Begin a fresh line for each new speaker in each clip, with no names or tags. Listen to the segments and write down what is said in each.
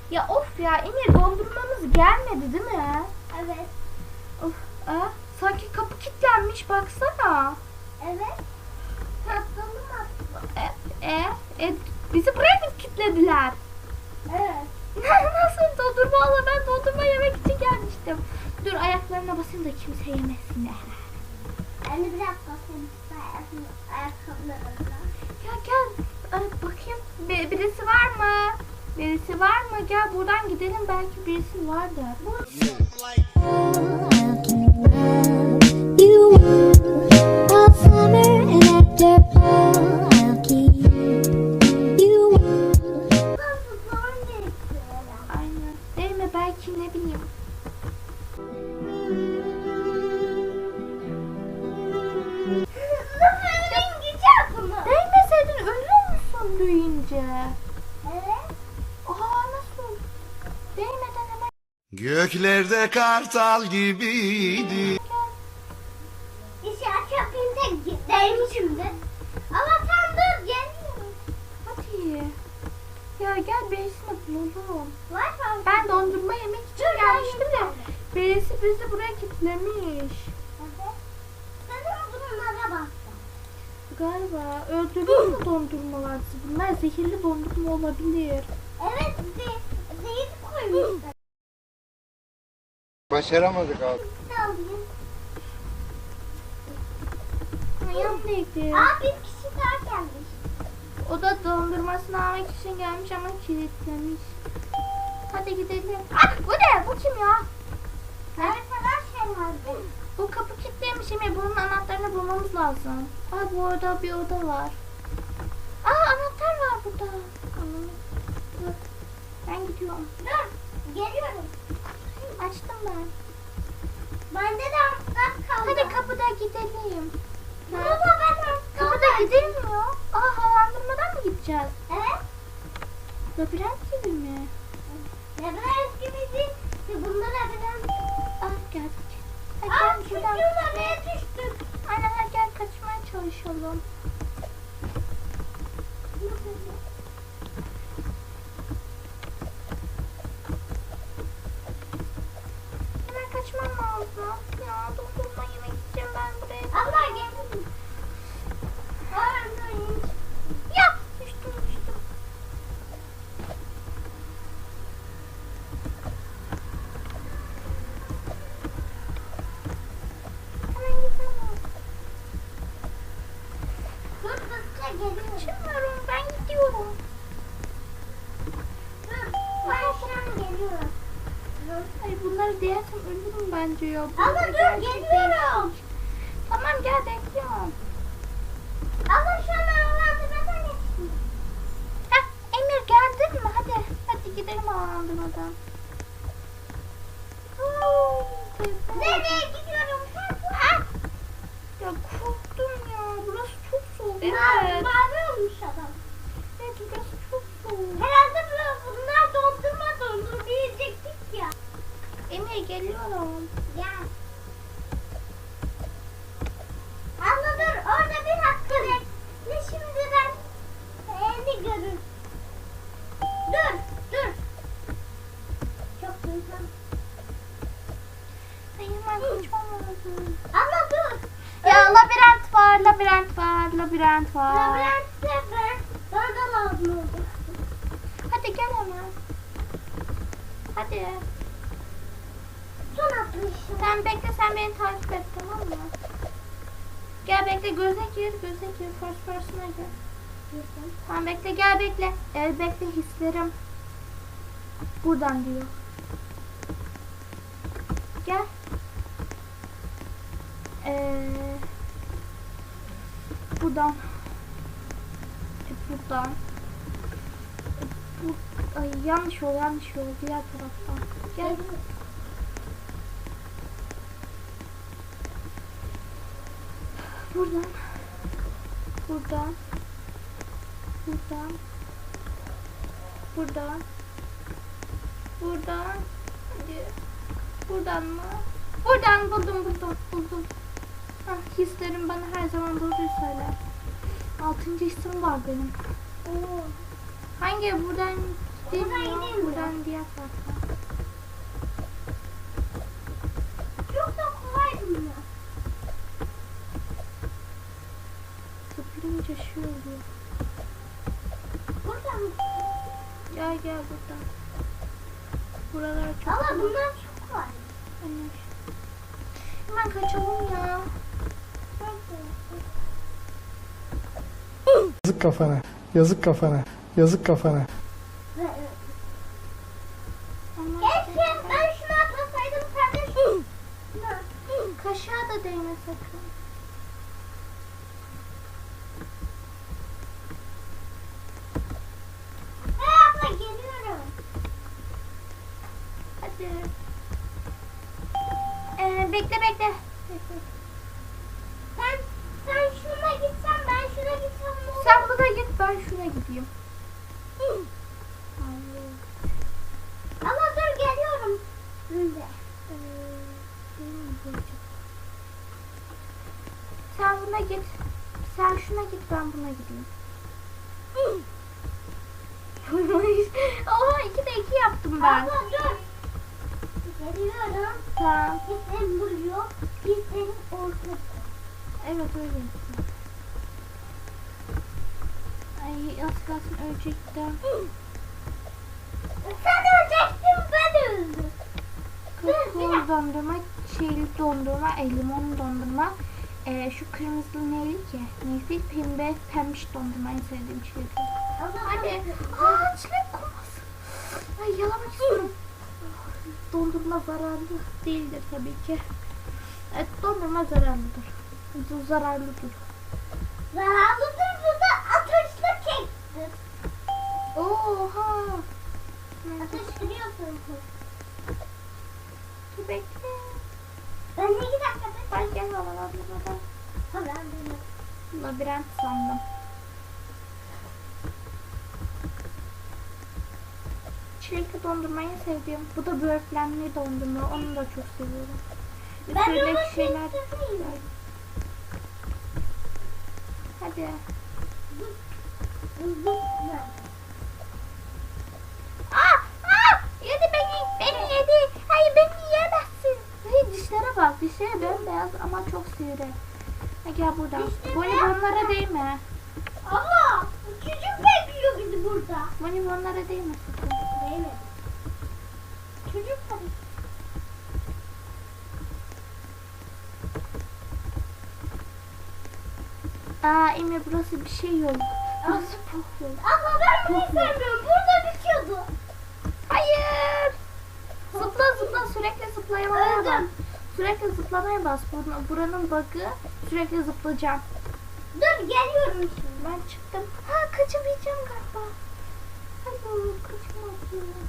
Ya of ya Emir, dondurmamız gelmedi değil mi?
Evet.
Of, sanki kapı kilitlenmiş, baksana.
Evet. Patladım aslında.
Bizi buraya mı kilitlediler?
Evet.
Nasıl dondurma ala, ben dondurma yemek için gelmiştim. Dur ayaklarına basayım da kimse yemesin.
Ben de biraz basayım. Ayakkabılarımla.
Ya gel bakayım, birisi var mı? Birisi var mı? Gel buradan gidelim, belki birisi vardır.
You all summer and after fall, I'll keep you.
Aynen. Değil mi? Belki, ne bileyim. Değmeseydin ölür müsün büyüyünce?
Evet.
Nasıl? Değmeden hemen
Göklerde kartal gibiydi.
İşaret yapayım da değmişimdir. Ama sen dur geliyorum.
hadi. Ya gel, birisini bulalım.
Var mı?
Ben dondurma yemek için gelmiştim de birisi bizi buraya kilitlemiş.
Evet. Sanırım bunlara baktım.
Galiba öldürüyor mu dondurmalar? Bunlar zehirli dondurma olabilir.
Evet. Zehir koymuşlar.
Başaramadık abi.
Ne alayım?
Yanındaydı.
Bir kişi daha gelmiş.
O da dondurmasını almak için gelmiş ama kilitlemiş. Hadi gidelim. Bu ne? Bu kim ya?
Evet kadar şey vardı.
Bu kapı kilitlemiş mi? Bunun anahtarını bulmamız lazım. Bu orada bir oda var. Anahtar var burada. Dur. Ben gidiyorum.
Dur. Geliyorum.
Açtım ben.
Bende de anahtar kaldı.
Hadi kapıda gidelim.
Bunu da ben anahtar.
Kapıda gidilmiyor. Havalandırmadan mı gideceğiz?
Evet.
Labirent gibi mi?
Labirent gibiydi. Bunlar labirent.
Geldik. Hadi gel buradan.
Nereye düştük?
Aynen, hadi gel kaçmaya çalışalım. Hemen kaçmam lazım. Ya dondurma yemek için ben buraya...
Allah gelin.
Ya düştüm. Hemen gidemem.
Dur hızlıca geliyorum.
Kaçamıyorum, ben gidiyorum.
Dur. Ben şu an geliyorum.
Ay bunları diyersem ölürüm bence ya.
Ama
Bunlar
dur
gerçek
geliyorum.
değil. Tamam gel, bekliyorum.
Ama şu an havalandırmadan geçtim.
Emir geldin mi? Hadi gidelim havalandırmadan.
Nereye gidiyorum?
Ya korktum ya. Burası çok soğuk.
Bağırıyormuş adam.
Evet, burası çok soğuk.
Herhalde bunlar dondurma yiyecektik ya.
Emir geliyorum.
Gel. Abla dur orada bir hakkı bekle şimdiden seni görür. Dur. Çok duydum.
Ay hemen kaçmam lazım.
Abla dur.
Ya labirent var.
Labirentte bana da lazım oldu.
Hadi gel hemen. Hadi.
Son atmışım.
Sen bekle, sen beni takip et, tamam mı? Gel bekle, göze gir. First person'a gir. Tamam bekle, gel bekle. Bekle, hislerim. Buradan diyor. Gel. Buradan. Buradan. Ay yanlış yol. Diğer taraftan. Gel. Buradan. Hadi. Buradan mı? Buradan buldum. Hislerim bana her zaman doğruyu söyler. 6. hissim var benim.
Oo.
Hangi? Buradan değil
Buradan
mi?
gideyim mi?
Buradan diğer zaten.
Çok da kolay bunlar.
Zıplayınca şey oluyor.
Burada mı?
Gel buradan. Buralar çok
Ama
kolay.
bunlar çok kolay.
Anne. Hemen kaçalım ya.
Yazık kafana. Yazık kafana. Yazık kafana.
Ama
Keşke ben şunu atlasaydım kardeşim.
kaşığa da değme sakın.
Hey abla geliyorum.
Hadi. Bekle. Bekle.
Sen şuna gitsen ben şuna gitsem ne olur?
Sen buna git, ben şuna gideyim.
Ama dur geliyorum. Şimdi.
Sen buna git. Sen şuna git, ben buna gideyim. Oha 2'de 2 yaptım ben.
Abla dur. Geliyorum.
Tamam.
Biz seni vuruyor. Biz senin ortada.
Evet öyle. Ay az kalsın ölecektim.
Sen ölecektin ben öldüm.
Kakao dondurma, şeyli dondurma, limon dondurma. Şu kırmızı neyli ki? Neyse pembiş dondurma en sevdiğim şey. Hadi. Aa çilek koması. Ay yalamak istiyorum. Dondurma zararlı değildir tabii ki. Evet dondurma zararlıdır. Zararlıdır.
Zararlıdır bu da ateşli kektir.
Oha.
Ateşliyorsun.
Dur bekle.
Ben 2 dakikada
Ben gel havalandırmadan.
ben benim.
Labirent sandım. Çilekli dondurmayı sevdiğim. Bu da böğürtlenli dondurma. Onu da çok seviyorum.
Ben
Üstündeki
onu
şeyler.
sevmiyorum.
Hadi. Yedi beni yedi. Hayır beni yiyemezsin. Hayır dişlere bak. Dişleri bembeyaz ama çok sivri. Ha, gel buradan. Bonibonlara değme.
Ama çocuk bekliyor bizi burada.
Bonibonlara değme sakın.
Değil mi? Çocuk tabii.
Aa Emre burası bir şey yok. Burası puf yok.
Ama ben bunu sevmiyorum. Burada bitiyordu.
Hayır. Zıpla sürekli zıplamaya bas.
Öldüm.
Sürekli zıplamaya bas. Buranın bug'ı sürekli zıplayacağım.
Dur geliyorum şimdi.
Ben çıktım. Ha kaçamayacağım galiba. Hayır kaçamadım.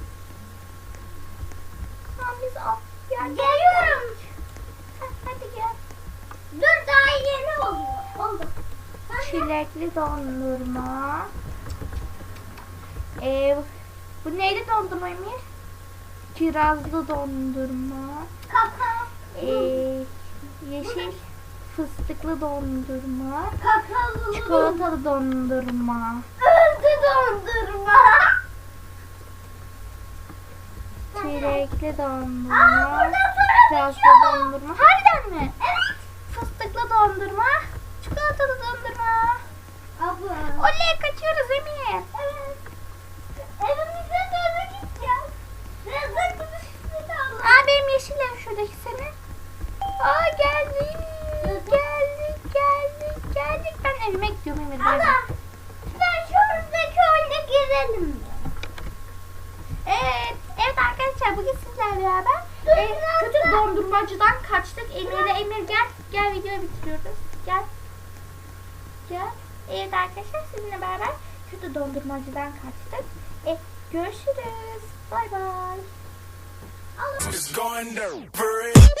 Tamam biz al. Ya
Geliyorum.
hadi gel.
Dur daha yeni oluyor. Oldu.
Çilekli dondurma. Bu neyli dondurma Emir? Kirazlı dondurma.
Kakao.
Yeşil fıstıklı dondurma.
Kakaolu.
Çikolatalı dondurma.
Öldü dondurma.
Çilekli
Aa,
dondurma.
buradan sonra
Kirazlı
bitiyor.
dondurma. Harbiden mi?
Evet.
Fıstıklı dondurma. Çikolatalı dondurma.
Abla.
Oley kaçıyoruz Emir.
Evet. Evimize doğru gideceğiz. Rezil bir Allah.
Aa benim yeşil ev şuradaki senin. Aa geldik. Geldik. Ben evime gidiyorum Emir. bay bay.
Allah. Sen şuradaki oyuna girelim mi?
Evet arkadaşlar bugün sizlerle beraber kötü dondurmacıdan kaçtık. Emir gel videoyu bitiriyoruz. Gel. Evet arkadaşlar sizinle beraber kötü dondurmacıdan kaçtık. Görüşürüz. Bay bay.
It's going down.